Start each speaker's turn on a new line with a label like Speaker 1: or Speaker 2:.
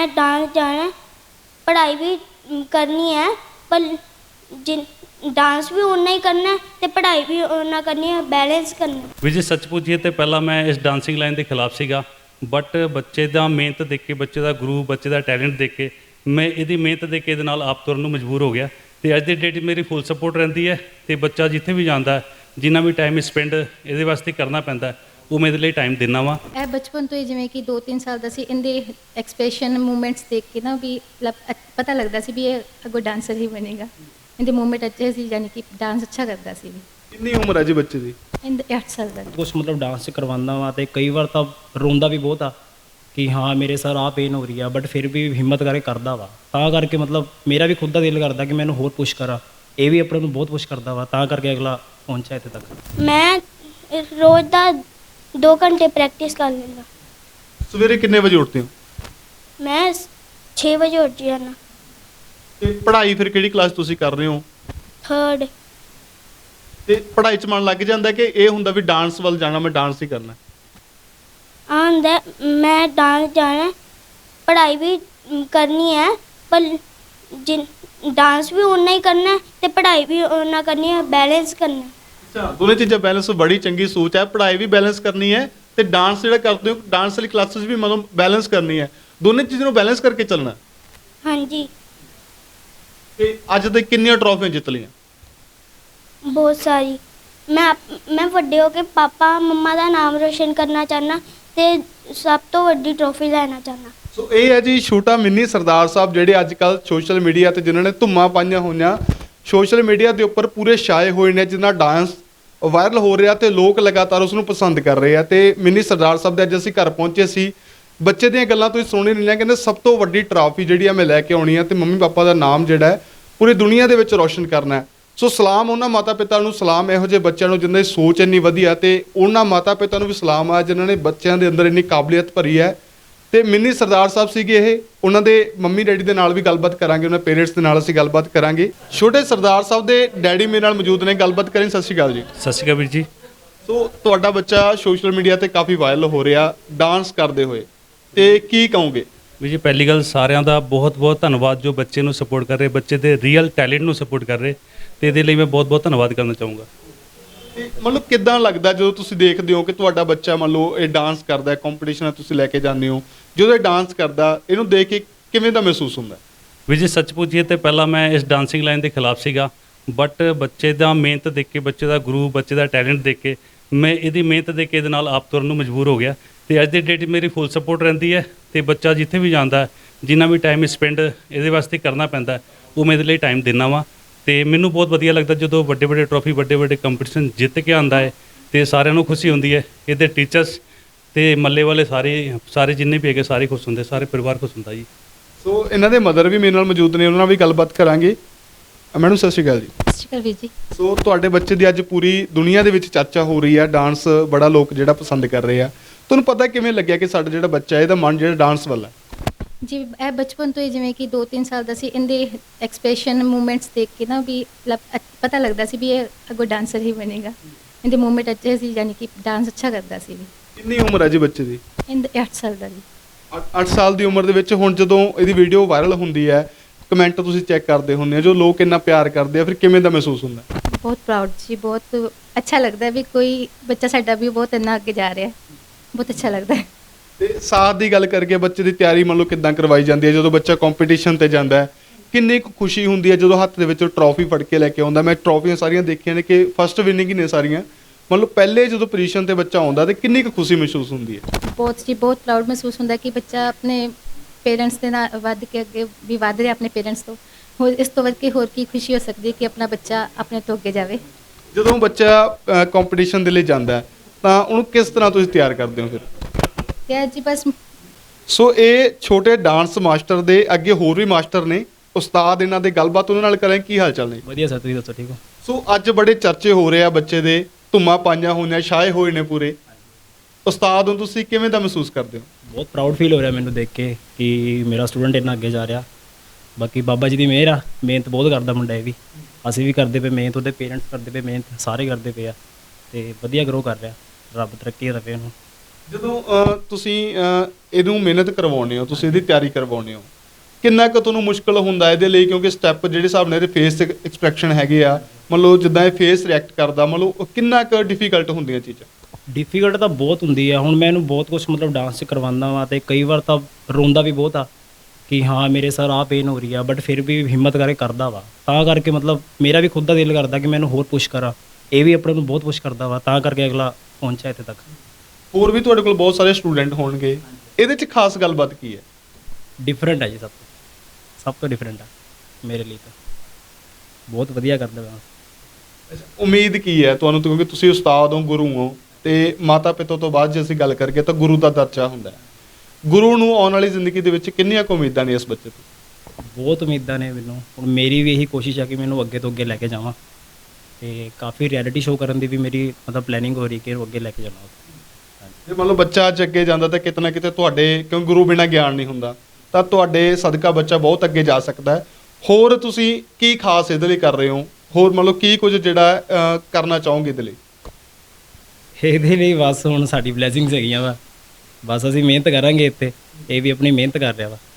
Speaker 1: Dance जाना है, पढ़ाई भी करनी है, पर जिन डांस भी उन्ना ही करना है तो पढ़ाई भी उन्ना करनी है, बैलेंस करना है।
Speaker 2: ਵੀ ਜੇ ਸੱਚ ਪੁੱਛੀਏ ਤੇ ਪਹਿਲਾਂ ਮੈਂ ਇਸ ਡਾਂਸਿੰਗ ਲਾਈਨ ਦੇ ਖਿਲਾਫ ਸੀਗਾ, ਬਟ ਬੱਚੇ ਦਾ ਮਿਹਨਤ ਦੇਖ ਕੇ, ਬੱਚੇ ਦਾ ਗੁਰੂ, ਬੱਚੇ ਦਾ ਟੈਲੈਂਟ ਦੇਖ ਕੇ ਮੈਂ ਇਹਦੀ ਮਿਹਨਤ ਦੇਖ ਕੇ ਇਹਦੇ ਨਾਲ ਆਪ ਤੁਰਨ ਨੂੰ ਮਜਬੂਰ ਹੋ ਗਿਆ ਤੇ ਅੱਜ ਦੀ ਡੇਟ ਮੇਰੀ ਫੁੱਲ ਸਪੋਰਟ ਰਹਿੰਦੀ ਹੈ ਤੇ ਬੱਚਾ ਜਿੱਥੇ ਵੀ ਜਾਂਦਾ ਹੈ, ਜਿੰਨਾ ਵੀ ਟਾਈਮ ਸਪੈਂਡ ਇਹਦੇ ਵਾਸਤੇ ਕਰਨਾ ਪੈਂਦਾ ਉਹ ਮੈਂ ਇਹਦੇ ਲਈ ਟਾਈਮ ਦਿੰਦਾ ਵਾਂ।
Speaker 3: ਇਹ ਬਚਪਨ ਤੋਂ ਹੀ ਜਿਵੇਂ ਕਿ 2-3 ਸਾਲ ਦਾ ਸੀ, ਇਹਦੇ ਐਕਸਪ੍ਰੈਸ਼ਨ ਮੂਵਮੈਂਟਸ ਦੇਖ ਕੇ ਨਾ ਵੀ ਪਤਾ ਲੱਗਦਾ ਸੀ ਵੀ ਇਹ ਅੱਗੋਂ ਡਾਂਸਰ ਹੀ ਬਣੇਗਾ। ਇਹਦੇ ਮੂਵਮੈਂਟ ਅੱਛੇ ਸੀ, ਯਾਨੀ ਕਿ ਡਾਂਸ ਅੱਛਾ ਕਰਦਾ ਸੀ।
Speaker 4: ਕਿੰਨੀ ਉਮਰ ਹੈ ਜੀ ਬੱਚੇ ਦੀ?
Speaker 3: ਇਹਦੇ 8 ਸਾਲ ਦਾ।
Speaker 5: ਕੁਛ ਮਤਲਬ ਡਾਂਸ ਕਰਵਾਉਂਦਾ ਵਾ ਤੇ ਕਈ ਵਾਰ ਤਾਂ ਰੋਂਦਾ ਵੀ ਬਹੁਤ ਆ ਕਿ ਹਾਂ ਮੇਰੇ ਸਰ ਆਹ ਪੇਨ ਹੋ ਰਹੀ ਆ, ਬਟ ਫਿਰ ਵੀ ਹਿੰਮਤ ਕਰਕੇ ਕਰਦਾ ਵਾ। ਤਾਂ ਕਰਕੇ ਮਤਲਬ ਮੇਰਾ ਵੀ ਖੁਦ ਦਾ ਦਿਲ ਕਰਦਾ ਕਿ ਮੈਨੂੰ ਹੋਰ ਪੁਸ਼ ਕਰਾਂ, ਇਹ ਵੀ ਆਪਣੇ ਨੂੰ ਬਹੁਤ ਪੁਸ਼ ਕਰਦਾ ਵਾ, ਤਾਂ ਕਰਕੇ ਅਗਲਾ ਪਹੁੰਚਿਆ ਇੱਥੇ ਤੱਕ।
Speaker 1: मैं रोज़ ਦਾ 2 घंटे प्रैक्टिस कर लेंगा।
Speaker 4: ਸਵੇਰੇ ਕਿੰਨੇ ਵਜੇ ਉੱਠਦੇ ਹੋ?
Speaker 1: मैं 6 बजे उठ जाना।
Speaker 4: ਤੇ ਪੜ੍ਹਾਈ ਫਿਰ ਕਿਹੜੀ ਕਲਾਸ ਤੁਸੀਂ ਕਰ ਰਹੇ ਹੋ?
Speaker 1: 3rd।
Speaker 4: ਤੇ ਪੜ੍ਹਾਈ 'ਚ ਮਨ ਲੱਗ ਜਾਂਦਾ ਕਿ ਇਹ ਹੁੰਦਾ ਵੀ ਡਾਂਸ ਵੱਲ ਜਾਣਾ, ਮੈਂ ਡਾਂਸ ਹੀ ਕਰਨਾ?
Speaker 1: आंदा मैं डांस जाना है, पढ़ाई भी करनी है, पर जिन डांस भी उन्ना ही करना है तो पढ़ाई भी उन्ना करनी है, बैलेंस करना है।
Speaker 4: ਅੱਛਾ, ਦੋਨੇ ਚੀਜ਼ਾਂ ਬੈਲੈਂਸ, ਬੜੀ ਚੰਗੀ ਸੋਚ ਹੈ। ਪੜ੍ਹਾਈ ਵੀ ਬੈਲੈਂਸ ਕਰਨੀ ਹੈ ਤੇ ਡਾਂਸ ਜਿਹੜਾ ਕਰਦੇ ਹੋ, ਡਾਂਸ ਵਾਲੀ ਕਲਾਸਿਸ ਵੀ ਮਤਲਬ ਬੈਲੈਂਸ ਕਰਨੀ ਹੈ। ਦੋਨੇ ਚੀਜ਼ਾਂ ਨੂੰ ਬੈਲੈਂਸ ਕਰਕੇ ਚੱਲਣਾ।
Speaker 1: हाँ जी,
Speaker 4: ਤੇ ਅੱਜ ਤੱਕ ਕਿੰਨੀਆਂ ਟਰੋਫੀਆਂ ਜਿੱਤ ਲਈਆਂ?
Speaker 1: बहुत सारी। मैं ਵੱਡੇ ਹੋ ਕੇ ਪਾਪਾ ਮੰਮਾ ਦਾ ਨਾਮ ਰੋਸ਼ਨ ਕਰਨਾ ਚਾਹਨਾ ਤੇ ਸਭ ਤੋਂ ਵੱਡੀ ਟਰੋਫੀ ਲੈਣਾ ਚਾਹਨਾ।
Speaker 4: ਸੋ ਇਹ ਹੈ ਜੀ ਛੋਟਾ ਮਿੰਨੀ ਸਰਦਾਰ ਸਾਹਿਬ, ਜਿਹੜੇ ਅੱਜ ਕੱਲ੍ਹ ਸੋਸ਼ਲ ਮੀਡੀਆ ਤੇ ਜਿਨ੍ਹਾਂ ਨੇ ਧੁੰਮਾਂ ਪਾਈਆਂ ਹੋਈਆਂ, ਸੋਸ਼ਲ ਮੀਡੀਆ ਦੇ ਉੱਪਰ ਪੂਰੇ ਛਾਏ ਹੋਏ ਨੇ, ਜਿਨ੍ਹਾਂ ਡਾਂਸ ਵਾਇਰਲ ਹੋ ਰਿਹਾ ਤੇ ਲੋਕ ਲਗਾਤਾਰ ਉਸ ਨੂੰ ਪਸੰਦ ਕਰ ਰਹੇ ਆ। ਤੇ ਮਿੰਨੀ ਸਰਦਾਰ ਸਾਹਿਬ ਦੇ ਅੱਜ ਅਸੀਂ ਘਰ ਪਹੁੰਚੇ ਸੀ। ਬੱਚੇ ਦੀਆਂ ਗੱਲਾਂ ਤੁਸੀਂ ਸੁਣੀ ਨਹੀਂ ਲਿਆ, ਕਹਿੰਦੇ ਸਭ ਤੋਂ ਵੱਡੀ ਟਰਾਫੀ ਜਿਹੜੀ ਆ ਮੈਂ ਲੈ ਕੇ ਆਉਣੀ ਆ ਤੇ ਮੰਮੀ ਪਾਪਾ ਦਾ ਨਾਮ ਜਿਹੜਾ ਹੈ ਪੂਰੀ ਦੁਨੀਆ ਦੇ ਵਿੱਚ ਰੋਸ਼ਨ ਕਰਨਾ ਹੈ। ਸੋ ਸਲਾਮ ਉਹਨਾਂ ਮਾਤਾ ਪਿਤਾ ਨੂੰ, ਸਲਾਮ ਇਹੋ ਜਿਹੇ ਬੱਚਿਆਂ ਨੂੰ ਜਿਨ੍ਹਾਂ ਦੀ ਸੋਚ ਇੰਨੀ ਵਧੀਆ, ਤੇ ਉਹਨਾਂ ਮਾਤਾ ਪਿਤਾ ਨੂੰ ਵੀ ਸਲਾਮ ਆ ਜਿਨ੍ਹਾਂ ਨੇ ਬੱਚਿਆਂ ਦੇ ਅੰਦਰ ਇੰਨੀ ਕਾਬਲੀਅਤ ਭਰੀ ਹੈ। ਤੇ ਮਿੰਨੀ ਸਰਦਾਰ ਸਾਹਿਬ ਸੀਗੇ ਇਹ, ਉਹਨਾਂ ਦੇ ਮੰਮੀ ਡੈਡੀ ਦੇ ਨਾਲ ਵੀ ਗੱਲਬਾਤ ਕਰਾਂਗੇ, ਉਹਨਾਂ ਪੇਰੈਂਟਸ ਦੇ ਨਾਲ ਅਸੀਂ ਗੱਲਬਾਤ ਕਰਾਂਗੇ। ਛੋਟੇ ਸਰਦਾਰ ਸਾਹਿਬ ਦੇ ਡੈਡੀ ਮੇਰੇ ਨਾਲ ਮੌਜੂਦ ਨੇ, ਗੱਲਬਾਤ ਕਰਾਂਗੇ। ਸਤਿ ਸ਼੍ਰੀ ਅਕਾਲ ਜੀ।
Speaker 2: ਸਤਿ ਸ਼੍ਰੀ ਅਕਾਲ ਵੀਰ ਜੀ।
Speaker 4: ਸੋ ਤੁਹਾਡਾ ਬੱਚਾ ਸੋਸ਼ਲ ਮੀਡੀਆ ਤੇ ਕਾਫੀ ਵਾਇਰਲ ਹੋ ਰਿਹਾ ਡਾਂਸ ਕਰਦੇ ਹੋਏ, ਤੇ ਕੀ ਕਹੋਗੇ?
Speaker 2: ਵੀਰ ਜੀ, ਪਹਿਲੀ ਗੱਲ ਸਾਰਿਆਂ ਦਾ ਬਹੁਤ ਬਹੁਤ ਧੰਨਵਾਦ ਜੋ ਬੱਚੇ ਨੂੰ ਸਪੋਰਟ ਕਰ ਰਹੇ, ਬੱਚੇ ਦੇ ਰੀਅਲ ਟੈਲੈਂਟ ਨੂੰ ਸਪੋਰਟ ਕਰ ਰਹੇ, ਤੇ ਇਹਦੇ ਲਈ ਮੈਂ ਬਹੁਤ ਬਹੁਤ ਧੰਨਵਾਦ ਕਰਨਾ ਚਾਹੂੰਗਾ।
Speaker 4: ਤੇ ਮਤਲਬ ਕਿੱਦਾਂ ਲੱਗਦਾ ਜਦੋਂ ਤੁਸੀਂ ਦੇਖਦੇ ਹੋ ਕਿ ਤੁਹਾਡਾ ਬੱਚਾ ਮੰਨ ਲਓ ਇਹ ਡਾਂਸ ਕਰਦਾ, ਕੰਪੀਟੀਸ਼ਨ ਤੁਸੀਂ ਲੈ ਕੇ ਜਾਂਦੇ ਹੋ, ਜਦੋਂ ਇਹ ਡਾਂਸ ਕਰਦਾ, ਇਹਨੂੰ ਦੇਖ ਕੇ ਕਿਵੇਂ ਦਾ ਮਹਿਸੂਸ ਹੁੰਦਾ?
Speaker 2: ਵੀਰ ਜੀ, ਸੱਚ ਪੁੱਛੀਏ ਤੇ ਪਹਿਲਾਂ ਮੈਂ ਇਸ ਡਾਂਸਿੰਗ ਲਾਈਨ ਦੇ ਖਿਲਾਫ ਸੀਗਾ, ਬਟ ਬੱਚੇ ਦਾ ਮਿਹਨਤ ਦੇਖ ਕੇ, ਬੱਚੇ ਦਾ ਗੁਰੂ, ਬੱਚੇ ਦਾ ਟੈਲੈਂਟ ਦੇਖ ਕੇ ਮੈਂ ਇਹਦੀ ਮਿਹਨਤ ਦੇਖ ਕੇ ਇਹਦੇ ਨਾਲ ਆਪ ਤੁਰਨ ਨੂੰ ਮਜਬੂਰ ਹੋ ਗਿਆ ਤੇ ਅੱਜ ਦੀ ਡੇਟ ਮੇਰੀ ਫੁੱਲ ਸਪੋਰਟ ਰਹਿੰਦੀ ਹੈ ਤੇ ਬੱਚਾ ਜਿੱਥੇ ਵੀ ਜਾਂਦਾ ਹੈ, ਜਿੰਨਾ ਵੀ ਟਾਈਮ ਸਪੈਂਡ ਇਹਦੇ ਵਾਸਤੇ ਕਰਨਾ ਪੈਂਦਾ ਉਹ ਮੈਂ ਇਹਦੇ ਲਈ ਟਾਈਮ ਦਿੰਦਾ ਵਾਂ। ਤੇ ਮੈਨੂੰ ਬਹੁਤ ਵਧੀਆ ਲੱਗਦਾ ਜਦੋਂ ਵੱਡੇ ਵੱਡੇ ਟਰੋਫੀ, ਵੱਡੇ ਵੱਡੇ ਕੰਪੀਟੀਸ਼ਨ ਜਿੱਤ ਕੇ ਆਉਂਦਾ ਹੈ ਤੇ ਸਾਰਿਆਂ ਨੂੰ ਖੁਸ਼ੀ ਹੁੰਦੀ ਹੈ। ਇਹਦੇ ਟੀਚਰਸ ਤੇ ਮੱਲੇ ਵਾਲੇ ਸਾਰੇ ਜਿੰਨੇ ਵੀ ਹੈਗੇ ਸਾਰੇ ਖੁਸ਼ ਹੁੰਦੇ, ਸਾਰੇ ਪਰਿਵਾਰ ਖੁਸ਼ ਹੁੰਦਾ ਜੀ।
Speaker 4: ਸੋ ਇਹਨਾਂ ਦੇ ਮਦਰ ਵੀ ਮੇਰੇ ਨਾਲ ਮੌਜੂਦ ਨੇ, ਉਹਨਾਂ ਨਾਲ ਵੀ ਗੱਲਬਾਤ ਕਰਾਂਗੇ। ਮੈਡਮ ਸਤਿ ਸ਼੍ਰੀ ਅਕਾਲ ਜੀ।
Speaker 3: ਸਤਿ ਸ਼੍ਰੀ ਅਕਾਲ ਵੀਰ ਜੀ।
Speaker 4: ਸੋ ਤੁਹਾਡੇ ਬੱਚੇ ਦੀ ਅੱਜ ਪੂਰੀ ਦੁਨੀਆ ਦੇ ਵਿੱਚ ਚਰਚਾ ਹੋ ਰਹੀ ਹੈ, ਡਾਂਸ ਬੜਾ ਲੋਕ ਜਿਹੜਾ ਪਸੰਦ ਕਰ ਰਹੇ ਆ। ਤੁਹਾਨੂੰ ਪਤਾ ਕਿਵੇਂ ਲੱਗਿਆ ਕਿ ਸਾਡਾ ਜਿਹੜਾ ਬੱਚਾ ਇਹਦਾ ਮਨ ਜਿਹੜਾ ਡਾਂਸ ਵੱਲ ਹੈ?
Speaker 3: ਜੀ ਇਹ ਬਚਪਨ ਤੋਂ ਹੀ ਜਿਵੇਂ ਕਿ 2-3 ਸਾਲ ਦਾ ਸੀ, ਇਹਦੇ ਐਕਸਪ੍ਰੈਸ਼ਨ ਮੂਵਮੈਂਟਸ ਦੇਖ ਕੇ ਨਾ ਵੀ ਪਤਾ ਲੱਗਦਾ ਸੀ ਵੀ ਇਹ ਅੱਗੋਂ ਡਾਂਸਰ ਹੀ ਬਣੇਗਾ। ਇਹਦੇ ਮੂਵਮੈਂਟ ਅੱਛੇ ਸੀ, ਯਾਨੀ ਕਿ ਡਾਂਸ ਅੱਛਾ ਕਰਦਾ ਸੀ।
Speaker 4: ਕਿੰਨੀ ਉਮਰ ਹੈ ਜੀ ਬੱਚੇ ਦੀ?
Speaker 3: ਇਹਦੇ 8 ਸਾਲ ਦਾ ਜੀ।
Speaker 4: 8 ਸਾਲ ਦੀ ਉਮਰ ਦੇ ਵਿੱਚ ਹੁਣ ਜਦੋਂ ਇਹਦੀ ਵੀਡੀਓ ਵਾਇਰਲ ਹੁੰਦੀ ਹੈ, ਕਮੈਂਟ ਤੁਸੀਂ ਚੈੱਕ ਕਰਦੇ ਹੁੰਦੇ ਹੋ, ਜੋ ਲੋਕ ਇੰਨਾ ਪਿਆਰ ਕਰਦੇ ਆ, ਫਿਰ ਕਿਵੇਂ ਦਾ ਮਹਿਸੂਸ ਹੁੰਦਾ?
Speaker 3: ਬਹੁਤ ਪ੍ਰਾਊਡ ਜੀ, ਬਹੁਤ ਅੱਛਾ ਲੱਗਦਾ ਵੀ ਕੋਈ ਬੱਚਾ ਸਾਡਾ ਵੀ ਬਹੁਤ ਇੰਨਾ ਅੱਗੇ ਜਾ ਰਿਹਾ, ਬਹੁਤ ਅੱਛਾ ਲੱਗਦਾ ਹੈ।
Speaker 4: ਤੇ ਸਾਥ ਦੀ ਗੱਲ ਕਰਕੇ ਬੱਚੇ ਦੀ ਤਿਆਰੀ ਮੰਨ ਲਓ ਕਿੱਦਾਂ ਕਰਵਾਈ ਜਾਂਦੀ ਹੈ? ਜਦੋਂ ਬੱਚਾ ਕੰਪੀਟੀਸ਼ਨ ਤੇ ਜਾਂਦਾ ਹੈ, ਕਿੰਨੀ ਕੁ ਖੁਸ਼ੀ ਹੁੰਦੀ ਹੈ ਜਦੋਂ ਹੱਥ ਦੇ ਵਿੱਚ ਟਰੋਫੀ ਫੜ ਕੇ ਲੈ ਕੇ ਆਉਂਦਾ? ਮੈਂ ਟਰੋਫੀਆਂ ਸਾਰੀਆਂ ਦੇਖੀਆਂ ਨੇ ਕਿ ਫਸਟ ਵਿਨਿੰਗ ਹੀ ਨੇ ਸਾਰੀਆਂ। ਮੰਨ ਲਓ ਪਹਿਲੇ ਜਦੋਂ ਪੋਜੀਸ਼ਨ ਤੇ ਬੱਚਾ ਆਉਂਦਾ ਤੇ ਕਿੰਨੀ ਕੁ ਖੁਸ਼ੀ ਮਹਿਸੂਸ ਹੁੰਦੀ ਹੈ?
Speaker 3: ਬਹੁਤ ਜੀ, ਬਹੁਤ ਪ੍ਰਾਊਡ ਮਹਿਸੂਸ ਹੁੰਦਾ ਕਿ ਬੱਚਾ ਆਪਣੇ ਪੇਰੈਂਟਸ ਦੇ ਨਾਲ ਵੱਧ ਕੇ ਅੱਗੇ ਵੀ ਵੱਧ ਰਿਹਾ, ਆਪਣੇ ਪੇਰੈਂਟਸ ਤੋਂ। ਹੋਰ ਇਸ ਤੋਂ ਵੱਧ ਕੇ ਹੋਰ ਕੀ ਖੁਸ਼ੀ ਹੋ ਸਕਦੀ ਹੈ ਕਿ ਆਪਣਾ ਬੱਚਾ ਆਪਣੇ ਤੋਂ ਅੱਗੇ ਜਾਵੇ।
Speaker 4: ਜਦੋਂ ਬੱਚਾ ਕੰਪੀਟੀਸ਼ਨ ਦੇ ਲਈ ਜਾਂਦਾ ਹੈ ਤਾਂ ਉਹਨੂੰ ਕਿਸ ਤਰ੍ਹਾਂ ਤੁਸੀਂ ਤਿਆਰ ਕਰਦੇ ਹੋ ਫਿਰ?
Speaker 3: ਤੇ ਜੀ ਬਸ।
Speaker 4: ਸੋ ਇਹ ਛੋਟੇ ਡਾਂਸ ਮਾਸਟਰ ਦੇ ਅੱਗੇ ਹੋਰ ਵੀ ਮਾਸਟਰ ਨੇ, ਉਸਤਾਦ ਇਹਨਾਂ ਦੇ, ਗੱਲਬਾਤ ਉਹਨਾਂ ਨਾਲ ਕਰਾਂ। ਕੀ ਹਾਲ ਚਾਲ ਨੇ?
Speaker 5: ਵਧੀਆ ਸਰ, ਤੁਸੀਂ ਦੱਸੋ ਠੀਕ ਹੋ?
Speaker 4: ਸੋ ਅੱਜ ਬੜੇ ਚਰਚੇ ਹੋ ਰਹੇ ਆ ਬੱਚੇ ਦੇ, ਧੁੰਮਾਂ ਪਾਈਆਂ ਹੋਈਆਂ, ਛਾਏ ਹੋਏ ਨੇ ਪੂਰੇ। ਉਸਤਾਦ ਨੂੰ ਤੁਸੀਂ ਕਿਵੇਂ ਦਾ ਮਹਿਸੂਸ ਕਰਦੇ ਹੋ?
Speaker 5: ਬਹੁਤ ਪ੍ਰਾਊਡ ਫੀਲ ਹੋ ਰਿਹਾ ਮੈਨੂੰ ਦੇਖ ਕੇ ਕਿ ਮੇਰਾ ਸਟੂਡੈਂਟ ਇੰਨਾ ਅੱਗੇ ਜਾ ਰਿਹਾ। ਬਾਕੀ ਬਾਬਾ ਜੀ ਦੀ ਮਿਹਰ ਆ, ਮਿਹਨਤ ਬਹੁਤ ਕਰਦਾ ਮੁੰਡਾ ਇਹ ਵੀ, ਅਸੀਂ ਵੀ ਕਰਦੇ ਪਏ ਮਿਹਨਤ, ਉਹਦੇ ਪੇਰੈਂਟਸ ਕਰਦੇ ਪਏ ਮਿਹਨਤ, ਸਾਰੇ ਕਰਦੇ ਪਏ ਆ ਤੇ ਵਧੀਆ ਗਰੋ ਕਰ ਰਿਹਾ। ਰੱਬ ਤਰੱਕੀ ਦੇਵੇ ਉਹਨੂੰ।
Speaker 4: ਜਦੋਂ ਤੁਸੀਂ ਇਹਨੂੰ ਮਿਹਨਤ ਕਰਵਾਉਂਦੇ ਹੋ, ਤੁਸੀਂ ਇਹਦੀ ਤਿਆਰੀ ਕਰਵਾਉਂਦੇ ਹੋ, ਕਿੰਨਾ ਕੁ ਤੁਹਾਨੂੰ ਮੁਸ਼ਕਲ ਹੁੰਦਾ ਇਹਦੇ ਲਈ? ਕਿਉਂਕਿ ਸਟੈਪ ਜਿਹੜੇ ਹਿਸਾਬ ਨਾਲ ਇਹਦੇ ਫੇਸ ਤੇ ਐਕਸਪ੍ਰੈਸ਼ਨ ਹੈਗੇ ਆ, ਮੰਨ ਲਓ ਜਿੱਦਾਂ ਇਹ ਫੇਸ ਰਿਐਕਟ ਕਰਦਾ, ਮੰਨ ਲਓ ਉਹ ਕਿੰਨਾ ਕੁ ਡਿਫਿਕਲਟ ਹੁੰਦੀਆਂ ਚੀਜ਼ਾਂ?
Speaker 5: ਡਿਫਿਕਲਟ ਤਾਂ ਬਹੁਤ ਹੁੰਦੀ ਆ। ਹੁਣ ਮੈਂ ਇਹਨੂੰ ਬਹੁਤ ਕੁਝ ਮਤਲਬ ਡਾਂਸ 'ਚ ਕਰਵਾਉਂਦਾ ਵਾਂ ਤੇ ਕਈ ਵਾਰ ਤਾਂ ਰੋਂਦਾ ਵੀ ਬਹੁਤ ਆ ਕਿ ਹਾਂ ਮੇਰੇ ਸਰ ਆਹ ਪੇਨ ਹੋ ਰਹੀ ਆ, ਬਟ ਫਿਰ ਵੀ ਹਿੰਮਤ ਕਰਕੇ ਕਰਦਾ ਵਾ। ਤਾਂ ਕਰਕੇ ਮਤਲਬ ਮੇਰਾ ਵੀ ਖੁਦ ਦਾ ਦਿਲ ਕਰਦਾ ਕਿ ਮੈਨੂੰ ਹੋਰ ਪੁਸ਼ ਕਰਾਂ। ਇਹ ਵੀ ਆਪਣੇ ਨੂੰ ਬਹੁਤ ਪੁਸ਼ ਕਰਦਾ ਵਾ, ਤਾਂ ਕਰਕੇ ਅਗਲਾ ਪਹੁੰਚਿਆ ਇੱਥੇ ਤੱਕ।
Speaker 4: ਹੋਰ ਵੀ ਤੁਹਾਡੇ ਕੋਲ ਬਹੁਤ ਸਾਰੇ ਸਟੂਡੈਂਟ ਹੋਣਗੇ, ਇਹਦੇ 'ਚ ਖਾਸ ਗੱਲਬਾਤ ਕੀ ਹੈ?
Speaker 5: ਡਿਫਰੈਂਟ ਹੈ ਜੀ, ਸਭ ਤੋਂ ਡਿਫਰੈਂਟ ਆ ਮੇਰੇ ਲਈ ਤਾਂ। ਬਹੁਤ ਵਧੀਆ ਕਰਦਾ ਵਾ।
Speaker 4: ਉਮੀਦ ਕੀ ਹੈ ਤੁਹਾਨੂੰ, ਕਿਉਂਕਿ ਤੁਸੀਂ ਉਸਤਾਦ ਹੋ, ਗੁਰੂ ਹੋ, ਤੇ ਮਾਤਾ ਪਿਤਾ ਤੋਂ ਬਾਅਦ ਜੇ ਅਸੀਂ ਗੱਲ ਕਰੀਏ ਤਾਂ ਗੁਰੂ ਦਾ ਦਰਜਾ ਹੁੰਦਾ ਹੈ। ਗੁਰੂ ਨੂੰ ਆਉਣ ਵਾਲੀ ਜ਼ਿੰਦਗੀ ਦੇ ਵਿੱਚ ਕਿੰਨੀਆਂ ਕੁ ਉਮੀਦਾਂ ਨੇ ਇਸ ਬੱਚੇ ਤੋਂ?
Speaker 5: ਬਹੁਤ ਉਮੀਦਾਂ ਨੇ ਮੈਨੂੰ। ਹੁਣ ਮੇਰੀ ਵੀ ਇਹੀ ਕੋਸ਼ਿਸ਼ ਆ ਕਿ ਮੈਨੂੰ ਅੱਗੇ ਤੋਂ ਅੱਗੇ ਲੈ ਕੇ ਜਾਵਾਂ, ਤੇ ਕਾਫੀ ਰਿਐਲਿਟੀ ਸ਼ੋਅ ਕਰਨ ਦੀ ਵੀ ਮੇਰੀ ਮਤਲਬ ਪਲੈਨਿੰਗ ਹੋ ਰਹੀ ਕਿ ਅੱਗੇ ਲੈ ਕੇ ਜਾਣਾ।
Speaker 4: ਜੇ ਮੰਨ ਲਓ ਬੱਚਾ ਅੱਜ ਅੱਗੇ ਜਾਂਦਾ ਤਾਂ ਕਿਤੇ ਨਾ ਕਿਤੇ ਤੁਹਾਡੇ, ਕਿਉਂ ਗੁਰੂ ਬਿਨਾਂ ਗਿਆਨ ਨਹੀਂ ਹੁੰਦਾ, ਤਾਂ ਤੁਹਾਡੇ ਸਦਕਾ ਬੱਚਾ ਬਹੁਤ ਅੱਗੇ ਜਾ ਸਕਦਾ ਹੈ। ਹੋਰ ਤੁਸੀਂ ਕੀ ਖਾਸ ਇਹਦੇ ਲਈ ਕਰ ਰਹੇ ਹੋ? ਹੋਰ ਮੰਨ ਲਓ ਕੀ ਕੁਝ ਜਿਹੜਾ ਕਰਨਾ ਚਾਹੋਗੇ ਇਹਦੇ ਲਈ?
Speaker 5: ਇਹਦੇ ਲਈ ਬਸ ਹੁਣ ਸਾਡੀ ਬਲੇਸਿੰਗਸ ਹੈਗੀਆਂ ਵਾ, ਬਸ ਅਸੀਂ ਮਿਹਨਤ ਕਰਾਂਗੇ ਇੱਥੇ। ਇਹ ਵੀ ਆਪਣੀ ਮਿਹਨਤ ਕਰ ਰਿਹਾ ਵਾ।